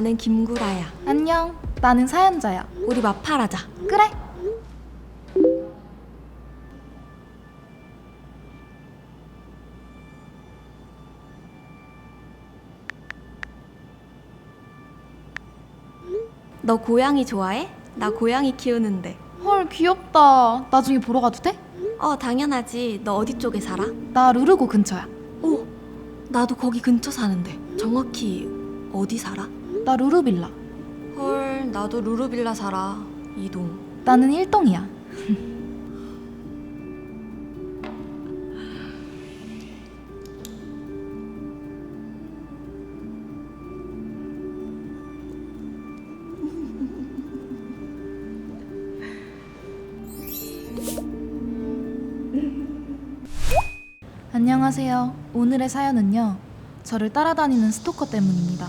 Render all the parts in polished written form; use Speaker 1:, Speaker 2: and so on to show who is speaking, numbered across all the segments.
Speaker 1: 나는 김구라야.
Speaker 2: 안녕, 나는 사연자야.
Speaker 1: 우리 마팔하자.
Speaker 2: 그래.
Speaker 1: 너 고양이 좋아해? 나 고양이 키우는데.
Speaker 2: 헐, 귀엽다. 나중에 보러 가도 돼?
Speaker 1: 당연하지. 너 어디 쪽에 살아?
Speaker 2: 나 루르고 근처야.
Speaker 1: 오, 나도 거기 근처 사는데. 정확히 어디 살아?
Speaker 2: 나 루루빌라.
Speaker 1: 헐, 나도 루루빌라 살아. 이동.
Speaker 2: 나는 1동이야. 안녕하세요. 오늘의 사연은요, 저를 따라다니는 스토커 때문입니다.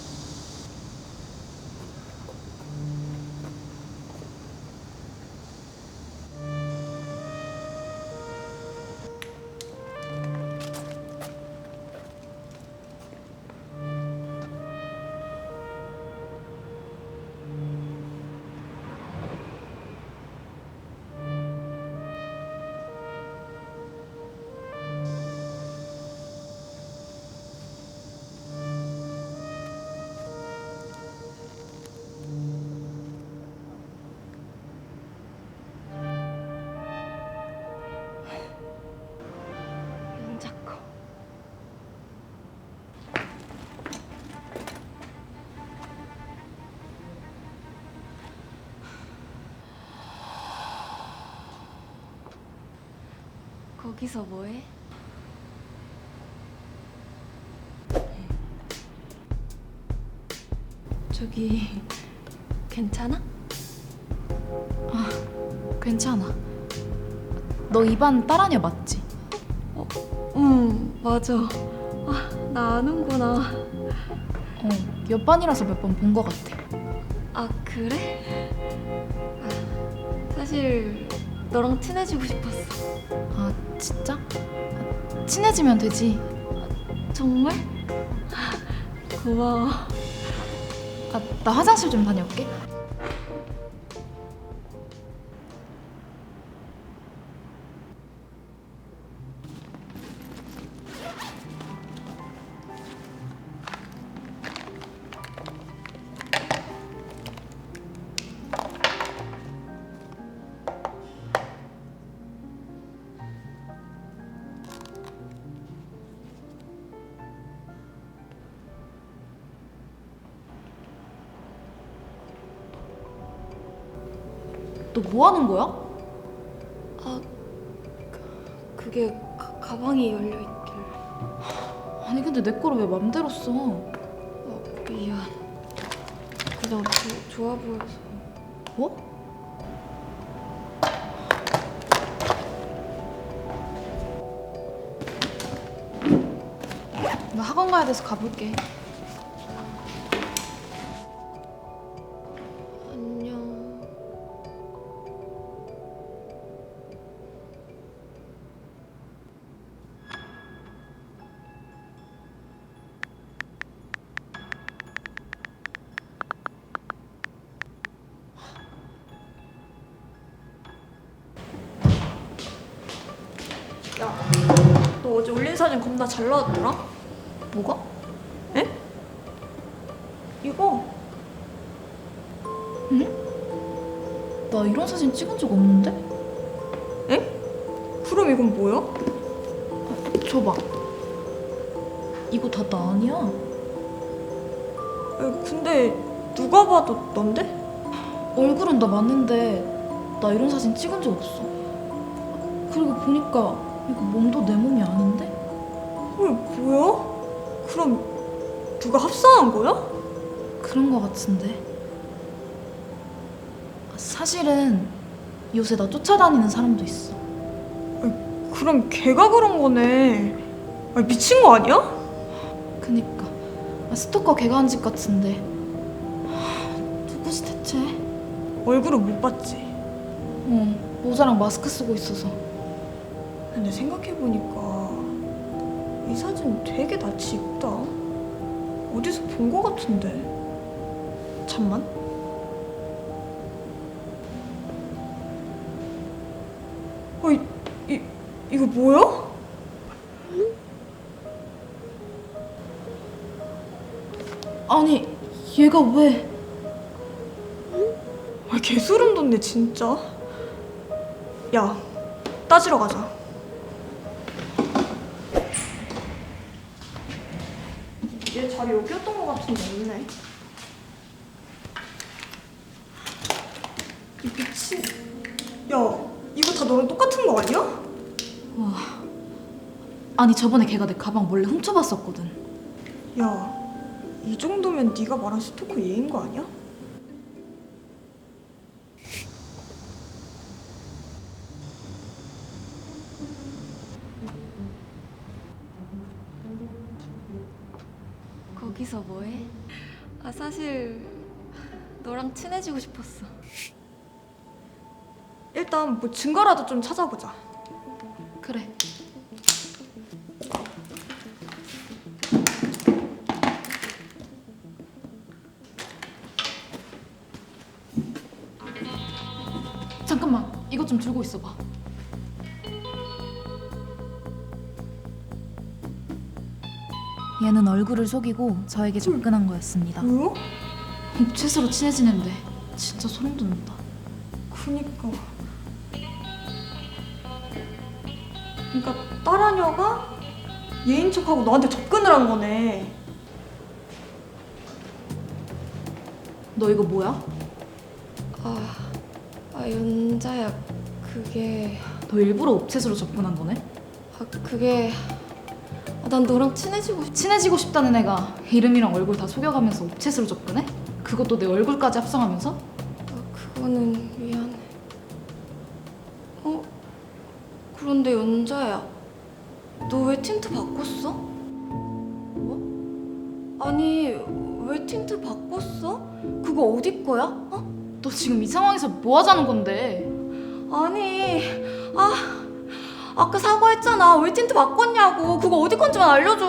Speaker 1: 윤자커. 거기서 뭐해? 저기 괜찮아?
Speaker 2: 괜찮아. 너 이 반 딸아냐 맞지?
Speaker 1: 응, 맞아. 나 아는구나.
Speaker 2: 옆 반이라서 몇 번 본 것 같아.
Speaker 1: 아, 그래? 사실 너랑 친해지고 싶었어.
Speaker 2: 아, 진짜? 친해지면 되지.
Speaker 1: 정말? 고마워.
Speaker 2: 나 화장실 좀 다녀올게. 너 뭐 하는 거야?
Speaker 1: 그게 가방이 열려있길래.
Speaker 2: 아니 근데 내 거를 왜 맘대로 써?
Speaker 1: 미안. 그냥 좋아 보여서.
Speaker 2: 뭐? 나 학원 가야 돼서 가볼게.
Speaker 1: 안녕. 야, 너 어제 올린 사진 겁나 잘 나왔더라?
Speaker 2: 뭐가?
Speaker 1: 에? 이거?
Speaker 2: 나 이런 사진 찍은 적 없는데?
Speaker 1: 에? 그럼 이건 뭐야?
Speaker 2: 줘봐. 이거 다 나 아니야?
Speaker 1: 근데 누가 봐도 넌데?
Speaker 2: 얼굴은 나 맞는데 나 이런 사진 찍은 적 없어. 그리고 보니까 이거 몸도 내 몸이 아닌데?
Speaker 1: 헐, 뭐야? 그럼 누가 합성한 거야?
Speaker 2: 그런 거 같은데. 사실은 요새 나 쫓아다니는 사람도 있어.
Speaker 1: 그럼 걔가 그런 거네. 미친 거 아니야?
Speaker 2: 그니까 스토커 걔가 한 짓 같은데. 누구지 대체?
Speaker 1: 얼굴은 못 봤지.
Speaker 2: 모자랑 마스크 쓰고 있어서.
Speaker 1: 근데 생각해보니까 이 사진 되게 낯이 익다. 어디서 본 거 같은데.
Speaker 2: 잠만.
Speaker 1: 이거 뭐야?
Speaker 2: 아니 얘가 왜?
Speaker 1: 개소름 돋네 진짜. 야, 따지러 가자. 얘 자리 여기였던 것 같은데 없네. 이 미친. 야, 이거 다 너랑 똑같은 거 아니야?
Speaker 2: 와. 아니 저번에 걔가 내 가방 몰래 훔쳐봤었거든.
Speaker 1: 야, 이 정도면 네가 말한 스토커 얘인 거 아니야?
Speaker 3: 거기서 뭐해? 아 사실 너랑 친해지고 싶었어.
Speaker 1: 일단 뭐 증거라도 좀 찾아보자.
Speaker 2: 그래. 잠깐만, 이것 좀 들고 있어봐.
Speaker 4: 얘는 얼굴을 속이고 저에게 접근한 거였습니다.
Speaker 1: 뭐야?
Speaker 2: 옥체스로 친해지는데 진짜 소름 돋는다.
Speaker 1: 그니까. 그니까 딸아녀가 얘인 척하고 너한테 접근을 한 거네.
Speaker 2: 너 이거 뭐야?
Speaker 3: 연자야 그게
Speaker 2: 너 일부러 옥체스로 접근한 거네?
Speaker 3: 그게 난 너랑 친해지고
Speaker 2: 친해지고 싶다는 애가 이름이랑 얼굴 다 속여가면서 옥체스로 접근해? 그것도 내 얼굴까지 합성하면서?
Speaker 3: 그거는 미안해. 그런데 연자야 너 왜 틴트 바꿨어? 뭐? 아니 왜 틴트 바꿨어? 그거 어디 거야?
Speaker 2: 너 지금 이 상황에서 뭐 하자는 건데?
Speaker 3: 아니 아까 사과했잖아. 왜 틴트 바꿨냐고. 그거 어디 건지만 알려줘.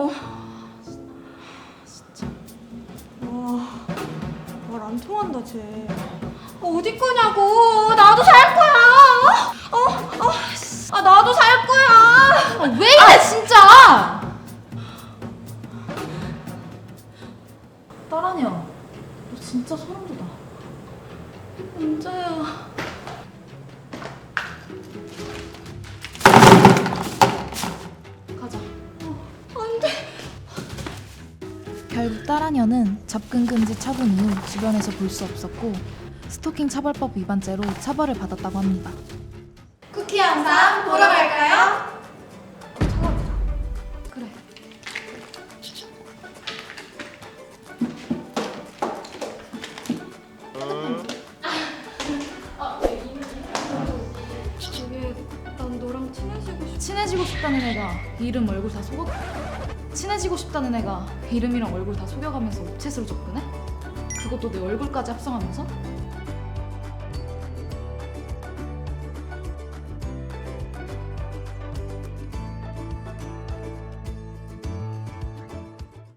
Speaker 1: 와, 말 안 통한다 쟤.
Speaker 3: 어디 거냐고. 나도 살 거야. 나도 살 거야.
Speaker 2: 왜 이래 진짜! 딸아니야, 너 진짜 소름 돋아.
Speaker 3: 연자야.
Speaker 2: 가자.
Speaker 3: 안 돼.
Speaker 4: 결국 딸아녀는 접근 금지 처분 이후 주변에서 볼 수 없었고 스토킹 처벌법 위반죄로 처벌을 받았다고 합니다.
Speaker 3: 쿠키 영상 보러 갈까요?
Speaker 2: 그래.
Speaker 3: 그게 난 너랑 친해지고 싶어.
Speaker 2: 친해지고 싶다는 애가 이름 얼굴 다 속여. 친해지고 싶다는 애가 이름이랑 얼굴 다 속여가면서 옥체스로 접근해? 그것도 내 얼굴까지 합성하면서?